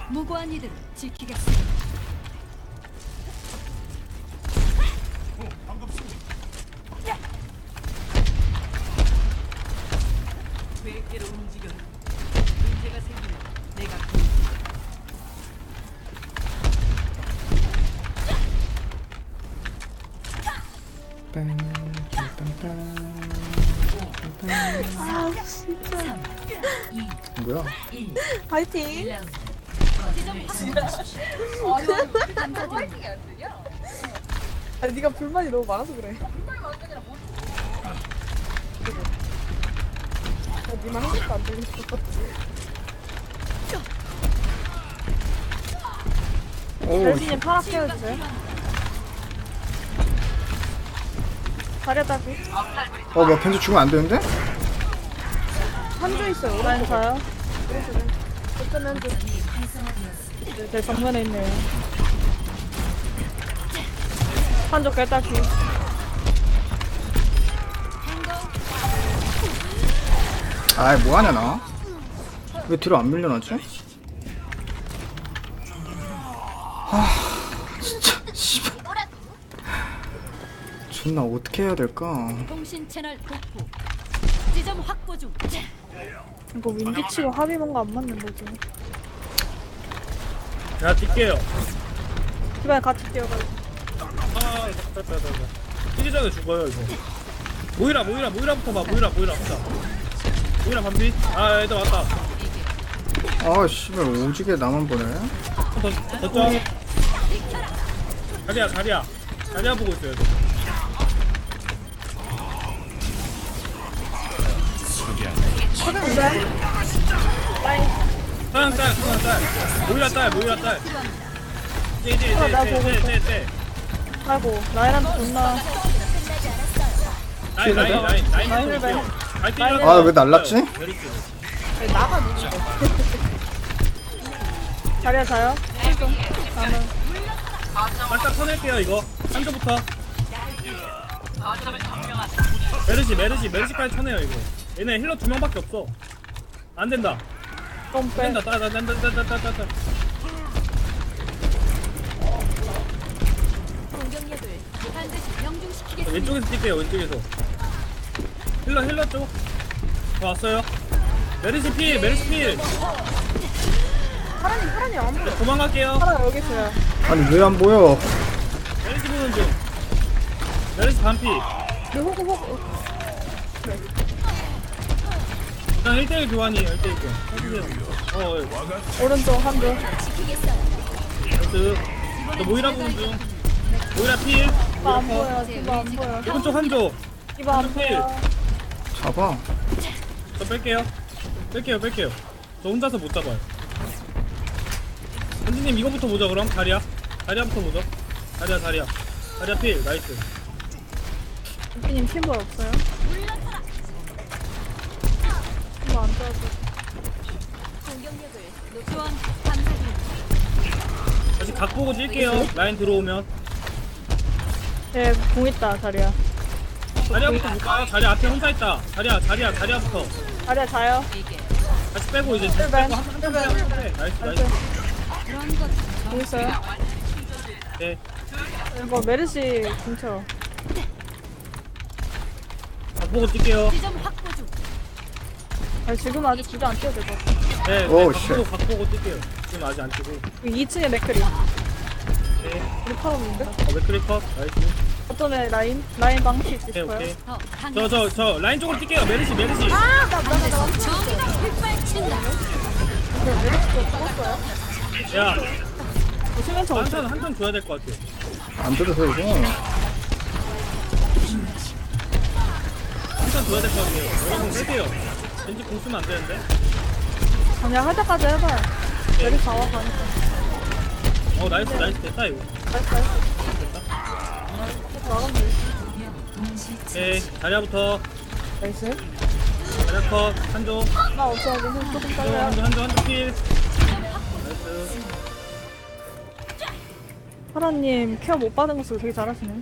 무고한 이들을 지키겠습니다. 계획대로 움직여라. 문제가 생기면 내가 아 진짜 뭐야? 파이팅. 아니 네가 불만이 너무 많아서 그래. 야, 니만 한 것도 안 들렸어. 오, 별진님 파락 깨워주세요. 가려다비. 뭐 벤츠 죽으면 안 되는데? 한조 있어요. 라인 가요. 어쩌면 한조. 제 정면에 있네요. 한조 깨딱히. 아이 뭐하냐 나? 왜 뒤로 안 밀려나지? 아 진짜 씨발 존나 어떻게 해야 될까? 통신 채널 복구. 지점 확보 중. 이거 윈디치고 합이 뭔가 안 맞는 거지. 자, 뛸게요. 집안에 같이 뛰어가지고. 아, 됐다. 뛰기 전에 죽어요, 이거. 모이라부터 봐, 모이라부터. 모이라 반비. 아, 애들 왔다. 아 씨발 오지게 나만 보네. 더 쪄. 자리야 보고 있어요. 사양 딸. 모이라 딸. 쟤. 아이고 라인한테 존나. 라인. 라인을 배. 아 왜 날랐지? 아니, 나가 누구. 자리야 자요. 나는 살짝 쳐낼게요, 이거. 한조부터. 메르시까지 쳐내요, 이거. 얘네 힐러 2명밖에 없어. 안 된다. 좀 빼. 된다. 따. 공격력을 반드시 명중시키겠습니다. 왼쪽에서 뛸게요, 왼쪽에서. 힐러 쪽. 왔어요. 메르시 필. 파란이 안 보여. 도망갈게요. 파란 여기 있어요. 아니 왜 안 보여? 메르시 보는 중. 메르시 반피. 그 호구. 일단 1대1 교환이에요, 1대1 교환. 오른쪽 한조. 나이스. 저 모이라 보는 중. 모이라 필. 이봐 안 보여. 이봐 안 보여. 오른쪽 한조. 이봐 안 보여. 잡아. 저 뺄게요. 저 혼자서 못 잡아요. 현진님 이거부터 보자 그럼. 다리야부터 보자. 다리야 필. 나이스. 대표님 팀볼 없어요? 이거 안 좋아서. 공격력을 지원 감사드립니다. 다시 각 보고 찔게요. 라인 들어오면. 예, 공 있다 자리야. 다리야부터 볼까요? 다리 앞에 혼자 있다. 다리야부터. 자리야 자요. 다시 빼고 이제 힐벤. 나이스. 그런 것 공 있어요? 네. 이거 메르시 근처. 각 보고 찔게요. 지점 확보 중. 아니 지금 아직 주저 안 뛰어도 될 것 같아. 네. 오, 각 보고 찔게요. 지금 아직 안 찌고. 2층에 맥크리. 네. 우리 팔았는데? 맥크리 컷. 나이스. 어쩌면 라인 방치 있을 오케이. 거예요. 더 강해. 저 라인 쪽으로 뛸게요. 메르시. 정의가 휘발친다. 메르시도 죽었어요? 야, 수면차 없어. 한턴 줘야 될 것 같아. 안 들어서 이거. 한턴 줘야 될 것 같아요. 여러분 뺄게요. 왠지 공 쓰면 안 되는데. 그냥 할 때까지 해봐요. 메르시 나와 가니까. 나이스 됐다 이거. 나이스. 나가면 돼. 오케이. 자리야부터. 나이스. 자리야 컷. 한조. 나 없어가지고 조금 빨라요. 한조 필. 나이스. 파라님 케어 못 받은 것으로 되게 잘하시네.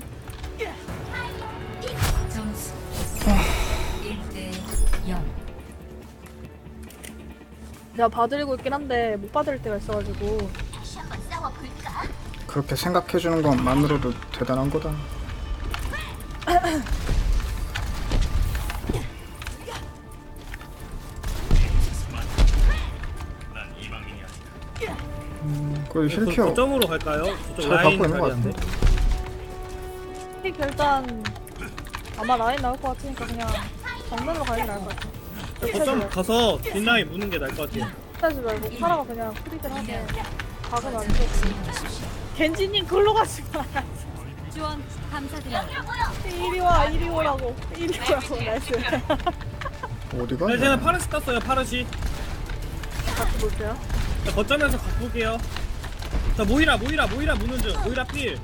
내가 봐드리고 있긴 한데 못 봐드릴 때가 있어가지고. 그렇게 생각해주는 것만으로도 대단한 거다. 그 힐케어 거점으로 갈까요? 저쪽 잘 라인 갖고 있는 것 자리인데. 픽 일단 아마 라인 나올 것 같으니까 그냥 정면으로 가는 게 나을 것 같아. 거점 가서 뒷라인 무는 게 나을 것 같아요. 하지 말고 파라가 그냥 프리들 하게 박으면 안 돼. 겐지님 글로 가지 마. 지원 감사드립니다. 이리 오라고. 나이스. 어디가? 네, 쟤는 파르시 땄어요. 파르시. 같이 볼게요. 자, 거점에서 바꿀게요. 자, 모이라 무는 중. 모이라 필.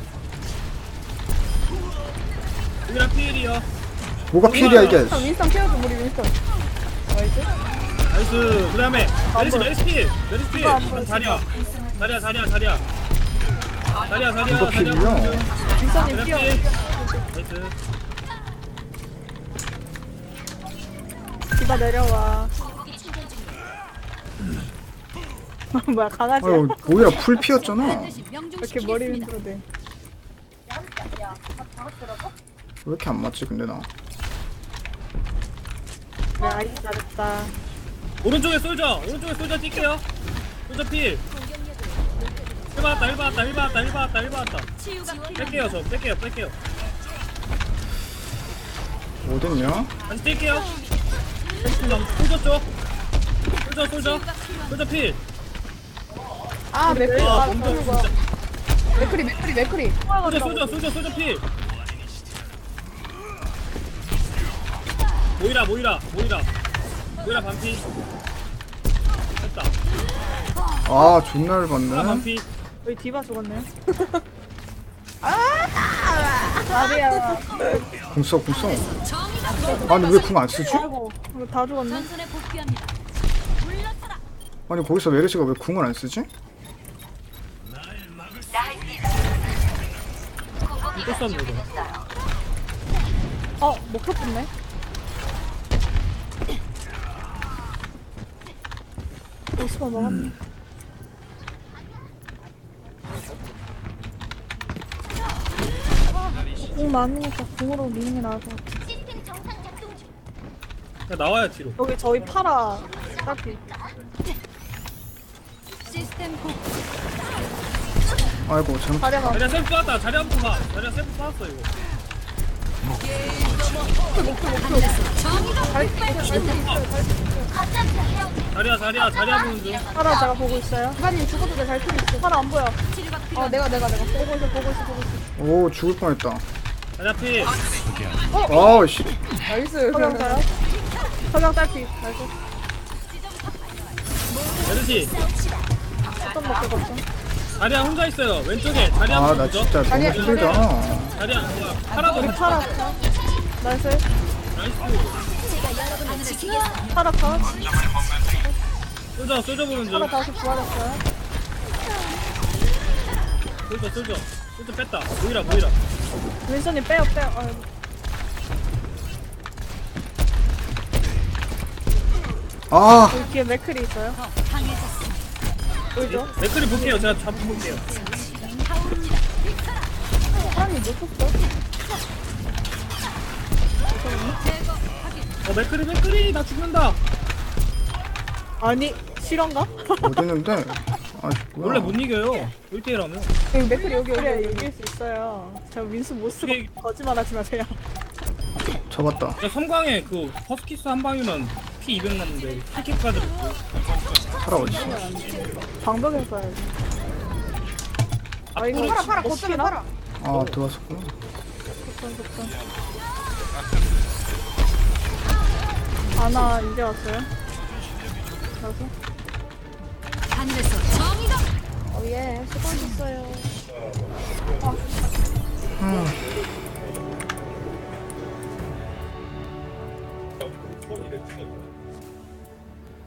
모이라 필이요. 뭐가 필이야 이게? 아, 윈스턴 케어줘 우리 윈스턴. 나이스. 나이스. 그 다음에 메리시 필. 이거 안 보여. 자리야. 이거 필이요? 윈스턴님 자리야 뛰어. 필. 나이스. 디바 내려와. 뭐야 강아지야? 아유 뭐야 풀 피었잖아. 반드시 왜 이렇게 명중시키겠습니다. 머리 흔들어대? 왜 이렇게 안 맞지 근데 나? 네 아이 잘했다. 오른쪽에 솔져 뛸게요. 솔져 필. 1 받았다. 치유가 뺄게요. 어딨냐? 다시 뛸게요. 솔져 필. 아 맥크리 아, 아 몸도 뭐야? 진짜. 맥크리. 솔져 필. 모이라 반피. 됐다. 아 존나 모이라 열받네. 반피. 여기 디바 죽었네요. 아니야. 궁써. 아니 왜 궁 안 쓰지? 아이고 이거 다 죽었네. 전선에 복귀합니다. 물러서라. 아니 거기서 메르시가 왜 궁을 안 쓰지? 또 쐈네 이거. 목표 붙네. 오스만 먹었네. 궁 많으니까 궁으로 미는 게 나을 것 같아. 그냥 나와요 뒤로. 여기 저희 파라 딱히. 시스템 복구. 아이고 잘못. 자리가 자리야 셀프 쐈다. 자리야 셀프 쐈어 이거. 자리야 보는 중. 파라 제가 보고 있어요. 기관님 죽어도 돼잘 필요 있어. 파라 안 보여. 치료가 필요. 내가 보고 있어. 오 죽을 뻔했다. 자리야 필. 아씨. 나이스. 석양 딸피. 나이스. 메르시. 어떤 먹고 갔어? 자리야 혼자 있어요. 왼쪽에 자리야 아 나 보는 중. 진짜 너무 힘들다. 자리야 뭐야? 하나도 우리 못 파라. 쳤어. 나이스. 나이스. 파라 컷. 솔져 보는 중. 파라 다시 부활했어요. 솔져 뺐다. 모이라. 윈선님 빼요. 아이고. 아 여기 뒤에 맥클이 있어요. 강해졌습니다. 보이죠? 맥클이 볼게요. 제가 잡아볼게요. 사람이 놓쳤어. 맥클이 나 죽는다. 아니 실화인가? 어딨는데? 아 뭐야? 원래 못 이겨요. 1대1하면. 여기 맥클이 여기 이길 수 있어요. 저 윈스 못 쓰고 어떻게- 거짓말하지 마세요. 잡았다. 섬광에 그 퍼스키스 한 방이면 피 200 났는데 킬킥까지 먹고. 파라 어딨어? 방벽에 써야지. 아 이거 파라 거점에 파라. 아 들어왔었구나. 좋던. 아나 이제 왔어요. 나서. 하늘에서 정의가 예, 수고하셨어요.